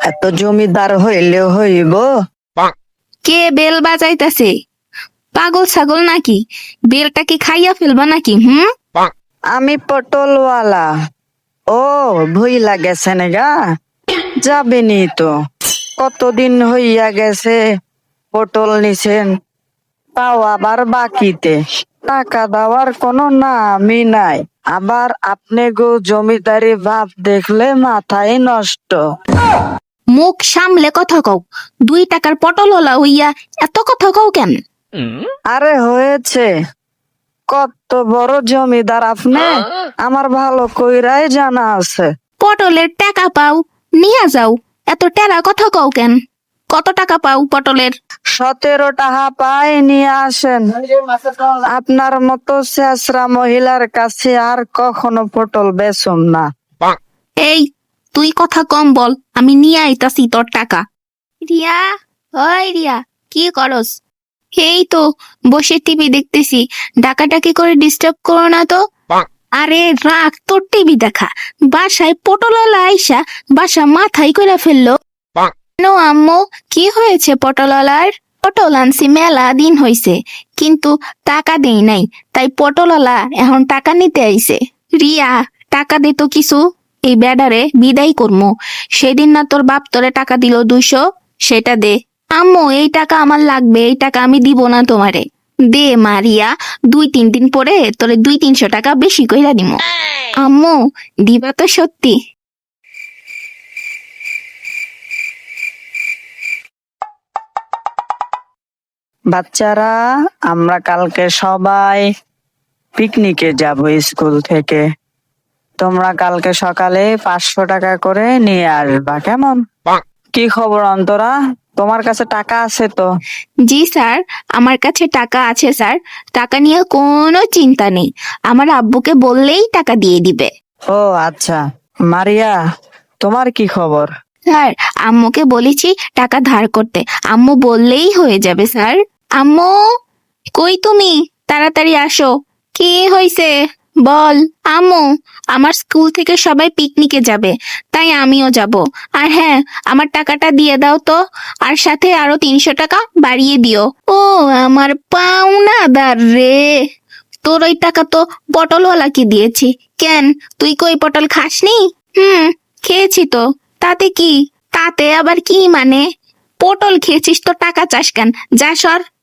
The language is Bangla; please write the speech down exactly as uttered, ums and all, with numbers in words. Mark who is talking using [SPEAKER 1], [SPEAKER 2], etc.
[SPEAKER 1] এত জমিদার হইলে হইব?
[SPEAKER 2] কে বেল বাজাইতাছে? পাগল ছাগল নাকি? বেলটা কি খাইয়া ফেলবা নাকি? হুম,
[SPEAKER 1] আমি পটলওয়ালা। ও ভুইলা গেছেন গা, যাবেনি তো। কতদিন হইয়া গেছে পটল নিছেন, তাও আবার বাকিতে। টাকা দেওয়ার কোনো নামই নাই। আবার আপনি গো জমিদারি ভাব দেখলে মাথায় নষ্ট।
[SPEAKER 2] মুখ সামলে কথা কও। দুই টাকার পটল হলা হইয়া এত কথা কও কেন?
[SPEAKER 1] আরে হয়েছে, কত বড় জমিদার আপনি আমার ভালো কইরাই জানা আছে।
[SPEAKER 2] পটলের টাকা পাও, নিয়া যাও। এত টেরা কথা কও কেন? কত টাকা পাও পটলের?
[SPEAKER 1] সতেরো টাকা পাই, নিয়ে আসেন। আপনার মতো শেষরা মহিলার কাছে আর কখনো পটল বেচুম না।
[SPEAKER 2] এই, তুই কথা কম বল, আমি নিয়ে আইতাছি তোর টাকা। রিয়া, ওই রিয়া, কি করস? এই তো বসে টিভি দেখতেছি, ডাকাডাকি করে ডিস্টার্ব করো না তো। আরে রাখ তোর টিভি দেখা। বাসায় পটলওয়ালা আইসা বাসা মাথায় করে ফেললো। কেন আম্মু, কি হয়েছে পটলওয়ালার? পটল আনছি মেলা দিন হইছে, কিন্তু টাকা দেই নাই, তাই পটলওয়ালা এখন টাকা নিতে আইছে। রিয়া, টাকা দে তো কিছু, এই বেডারে বিদায় করমু। সেদিন না তোর বাপ তোরে টাকা দিল দুইশো, সেটা দে। আম্মু, এই টাকা আমার লাগবে, এই টাকা আমি দিব না তোমারে। দে মারিয়া, দুই তিন দিন পরে তোরে দুই তিনশো টাকা বেশি কইরা দিমু। আম্মু, দিবা তো সত্যি?
[SPEAKER 1] বাচ্চারা, আমরা কালকে সবাই পিকনিকে যাব স্কুল থেকে। তোমরা কালকে সকালে পাঁচশো টাকা করে নিয়ে আসবা, কেমন? কি খবর অন্তরা, তোমার কাছে টাকা আছে তো?
[SPEAKER 2] জি স্যার, আমার কাছে টাকা আছে স্যার। টাকা নিয়ে কোনো চিন্তা নেই, আমার আব্বুকে বললেই টাকা দিয়ে দিবে।
[SPEAKER 1] ও আচ্ছা। মারিয়া, তোমার কি খবর?
[SPEAKER 2] স্যার, আম্মুকে বলেছি টাকা ধার করতে, আম্মু বললেই হয়ে যাবে স্যার। আম্মু, কই তুমি? তাড়াতাড়ি আসো। কি হয়েছে বল। আম্মু, আমার স্কুল থেকে সবাই পিকনিকে যাবে, তাই আমিও যাব। আর হ্যাঁ, আমার টাকাটা দিয়ে দাও তো, আর সাথে আরো তিনশো টাকা বাড়িয়ে দিও। ও আমার পাওনাদার রে, তোর ওই টাকা তো পটলওয়ালাকে দিয়েছি। কেন, তুই কই পটল খাসনি? হুম, খেয়েছি তো। তাতে কি? তাতে আবার কি মানে? পটল খেয়েছিস তো টাকা চাস কেন? যা সর,